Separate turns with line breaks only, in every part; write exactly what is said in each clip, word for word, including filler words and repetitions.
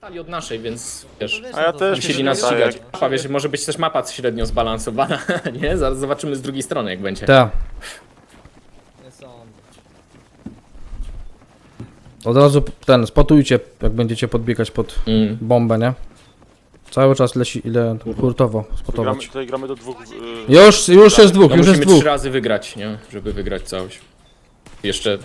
Stali od naszej, więc wiesz,
A ja też
musieli
się
nas
wydaje.
ścigać. Mapa, wiesz, może być też mapa średnio zbalansowana, nie? Zaraz zobaczymy z drugiej strony, jak będzie.
Tak.
Nie sądzę.
Od razu ten, spotujcie, jak będziecie podbiegać pod
Mm.
bombę, nie? Cały czas leci, ile hurtowo
Gramy,
spotować.
tutaj gramy do dwóch... Yy,
Już, już jest dwóch,
No
już jest
musimy
dwóch.
trzy razy wygrać, nie? Żeby wygrać całość. Jeszcze,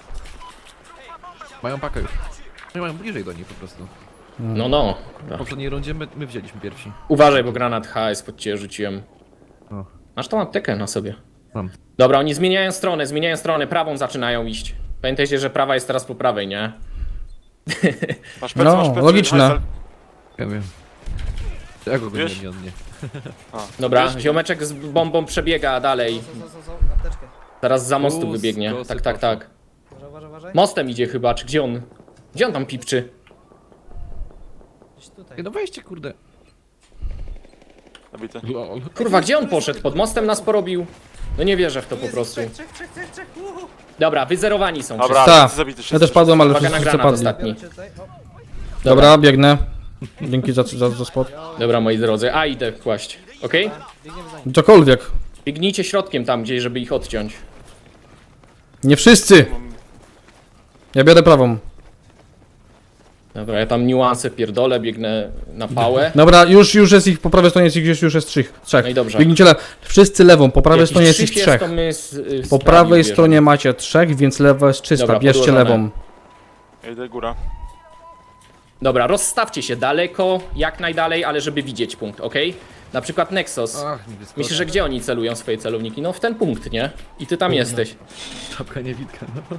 Mają pakę już. Nie mają bliżej do nich po prostu.
no no.
W poprzedniej rundzie my, my wzięliśmy pierwsi.
Uważaj, bo granat H S pod ciebie rzuciłem.
O.
Masz tą aptekę na sobie.
Mam.
Dobra, oni zmieniają stronę, zmieniają stronę, prawą zaczynają iść. Pamiętajcie, że prawa jest teraz po prawej, nie?
masz plecy,
No,
masz plecy,
logiczne.
Hajsel.
Ja wiem. Ja go
Wiesz?
nie on mnie.
Dobra, ziomeczek z bombą przebiega dalej.
Co, co, co, co? Apteczkę.
Zaraz za mostu
Plus
wybiegnie.
kosy
Tak, tak,
poszło.
tak.
Uważaj, uważaj, uważaj.
Mostem idzie chyba, czy gdzie on? Gdzie on tam pipczy?
Gdzieś tutaj.
Ej, no weźcie kurde.
Zabity.
Lol.
Kurwa, gdzie on poszedł? Pod mostem nas porobił? No nie wierzę w to po prostu.
Trzech, trzech, trzech, trzech, trzech. Uhu.
Dobra, wyzerowani są
Dobra,
Ta.
wszyscy zabity, wszyscy.
Ja też padłem, ale
Uwaga na
wszyscy
granat
padli.
ostatni.
Biorę cię tutaj. O,
Dobra, biegnę. Dzięki za, za, za spot.
Dobra, moi drodzy. A, idę kłaść. Okej?
biegniemy za nim.
Cokolwiek.
Biegnijcie środkiem tam gdzieś, żeby ich odciąć.
Nie wszyscy! Ja biorę prawą.
Dobra, ja tam niuanse pierdolę, biegnę na pałę.
Dobra, już, już jest ich, po prawej stronie jest ich gdzieś już jest trzech. trzech.
No i dobrze.
Biegnijcie le... Wszyscy lewą, po prawej
Jakiś
stronie jest ich
krzyk
trzech.
to my z, y,
Po
z prawej
prawej
bierzemy.
stronie macie trzech, więc lewa jest czysta.
Dobra,
Bierzcie
podłożone.
lewą.
Ja idę góra.
Dobra, rozstawcie się daleko, jak najdalej, ale żeby widzieć punkt, ok? Na przykład Nexus.
Ach, nie wyskoczy.
Myślisz, że gdzie oni celują swoje celowniki? No w ten punkt, nie? I ty tam jesteś.
Czapka niewidka, no.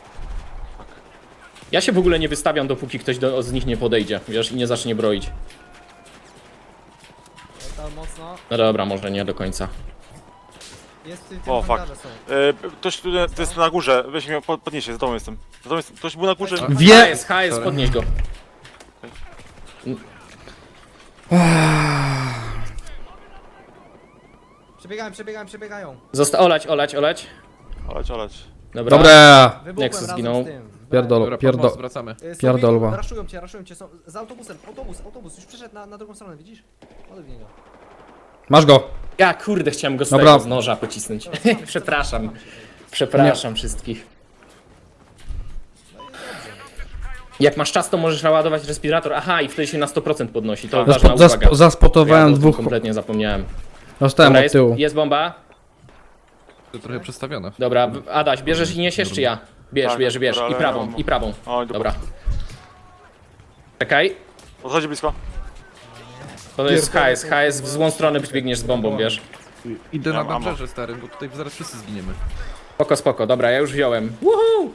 Ja się w ogóle nie wystawiam, dopóki ktoś do, z nich nie podejdzie, wiesz, i nie zacznie broić.
Tam mocno.
No dobra, może nie do końca.
Jest w tym, tym
O, fuck.
hangarze są.
Yy, ktoś tu to jest na górze, weź mnie, pod- podnieś się, za tobą jestem. Za tobą jestem. Ktoś był na górze.
Wie...
H S, H S,
Sorry.
podnieś go.
Przebiegają, przebiegają, przebiegają.
Zosta olać, olać, olać.
Oleć, oleć.
Dobra.
Dobra!
Wybuchłem
Nexus
razem
zginął.
z tym.
Pierdol,
Dobra, pod
pierdol.
most wracamy.
Y, są
Pierdolwa.
biegną, Raszują cię, raszują cię, są za autobusem, autobus, autobus, już przeszedł na, na drugą stronę, widzisz? Ładuj w niego.
Masz go.
Ja kurde, chciałem go z
Dobra.
tego z noża pocisnąć. Przepraszam. Przepraszam wszystkich. Jak masz czas, to możesz naładować respirator. Aha, i wtedy się na sto procent podnosi. To ważna
Zaspo,
uwaga.
zaspo, zaspotowałem
Ja o tym
dwóch.
kompletnie zapomniałem.
Dostałem
Dobra,
od
jest,
tyłu.
jest bomba.
To trochę przestawione.
Dobra, w- Adaś, bierzesz i niesiesz, czy ja? Bierz,
Tak,
bierz, bierz.
dobra,
I
ale
prawą,
ja mam-
i prawą.
O, idę
Dobra. Czekaj.
Podchodzi blisko.
To jest H S. H S w złą stronę biegniesz z bombą, wiesz.
Idę
Ja
na
mam
nabrzeże stary, bo tutaj zaraz wszyscy zginiemy.
Spoko, spoko. Dobra, ja już wziąłem. Woohoo!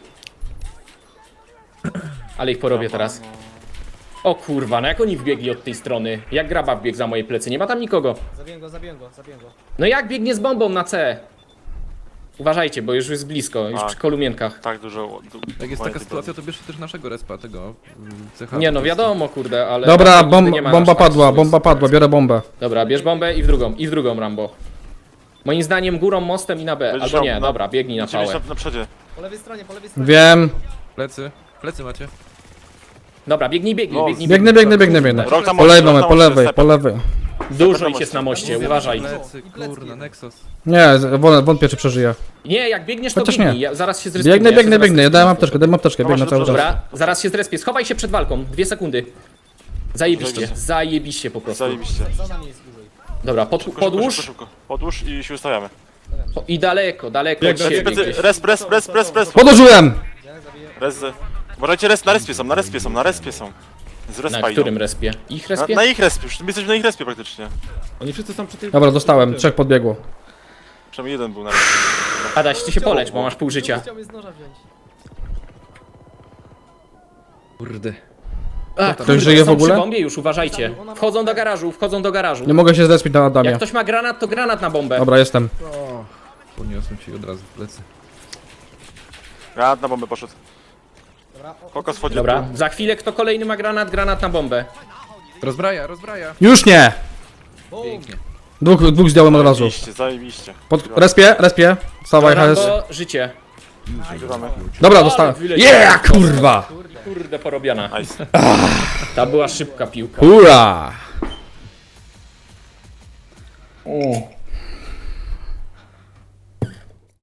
Ale ich porobię teraz. O kurwa, no jak oni wbiegli od tej strony? Jak graba wbiegł za moje plecy? Nie ma tam nikogo.
Zabiję go, zabiję go, zabiję go.
No jak biegnie z bombą na C? Uważajcie, bo już jest blisko, już
Tak.
przy kolumienkach.
Tak dużo. Du,
Jak jest
fajnie
taka
to
sytuacja, to bierzcie też naszego respa, tego mm, cecha.
Nie no, wiadomo, kurde, ale...
Dobra,
nigdy
bomb,
nie ma
bomba
aż tak
padła,
złej
bomba padła,
sytuacji.
biorę bombę.
Dobra, bierz bombę i w drugą, i w drugą, Rambo. Moim zdaniem górą, mostem i na B.
Będziesz
Albo nie,
miał na-
dobra, biegnij na
Znaczy, mieć
pałę.
na, na przodzie.
Po lewej stronie, po lewej stronie.
Wiem.
Plecy. Plecy macie.
Dobra, biegnij, biegnij,
No,
biegnij.
Biegnę, biegnę, biegnę, biegnę.
Rok tam
Po
moście,
lewej,
rok tam
po
moście,
lewej,
snajper.
po lewej.
Dużo ich jest na moście, uważaj.
Plecy,
I plecki.
kurna, Nexus.
Nie, z- wol- wątpię czy przeżyję.
Nie, jak biegniesz, to
Chociaż
biegnij.
nie.
Ja zaraz się zrespię.
Biegnę,
ja się
biegnę,
zaraz
biegnę, ja
zrespię.
dałem apteczkę, dałem apteczkę,
No
biegnę
właśnie,
cały czas.
Dobra, zaraz się zrespię. Schowaj się przed walką. Dwie sekundy. Zajebiście,
Zajebiście.
zajebiście po prostu.
Zajebiście.
Za nami jest dłużej.
Dobra, pod,
Szybko, szybko,
podłóż
szybko, szybko. Podłóż i się ustawiamy.
po- i daleko, daleko od
Plecy,
siebie
plecy,
gdzieś.
res, res, res, res, res.
Podłożyłem!
Ja zabiję.
Res. Uważajcie, res, na respie są, na respie są, na respie są. Z respa
Na
idą.
którym respie? Ich
Na,
respie?
na ich respie, już my jesteśmy na ich respie praktycznie.
Oni wszyscy są przy tej...
Dobra, dostałem, trzech podbiegło.
Przynajmniej jeden był na respie.
Adaś, ty się polecz, bo masz pół życia.
Chciał mnie z noża wziąć.
Kurde.
A,
Ktoś
kurde,
żyje w
są
ogóle?
przy bombie już, uważajcie. Wchodzą do garażu, wchodzą do garażu.
Nie mogę się zrespić na
Jak
Adamie.
ktoś ma granat, to granat na bombę.
Dobra, jestem.
Podniosłem ci od razu w plecy.
Ja na bombę poszedł.
Dobra, o,
Kokos wchodzi
Dobra,
tu.
za chwilę kto kolejny ma granat, granat na bombę.
Rozbraja, rozbraja.
Już nie!
Bum.
Pięknie.
Dwóch, dwóch zdjąłem od razu.
Zajebiście, zajebiście.
Pod, respie, respie. Stawaj, H S.
Rambo, życie.
Wygrywamy.
Dobra, dostałem.
wyleciał.
Yeah, kurwa!
Kurde.
kurde, porobiona.
Nice.
Ta była szybka piłka.
Hurra!
O,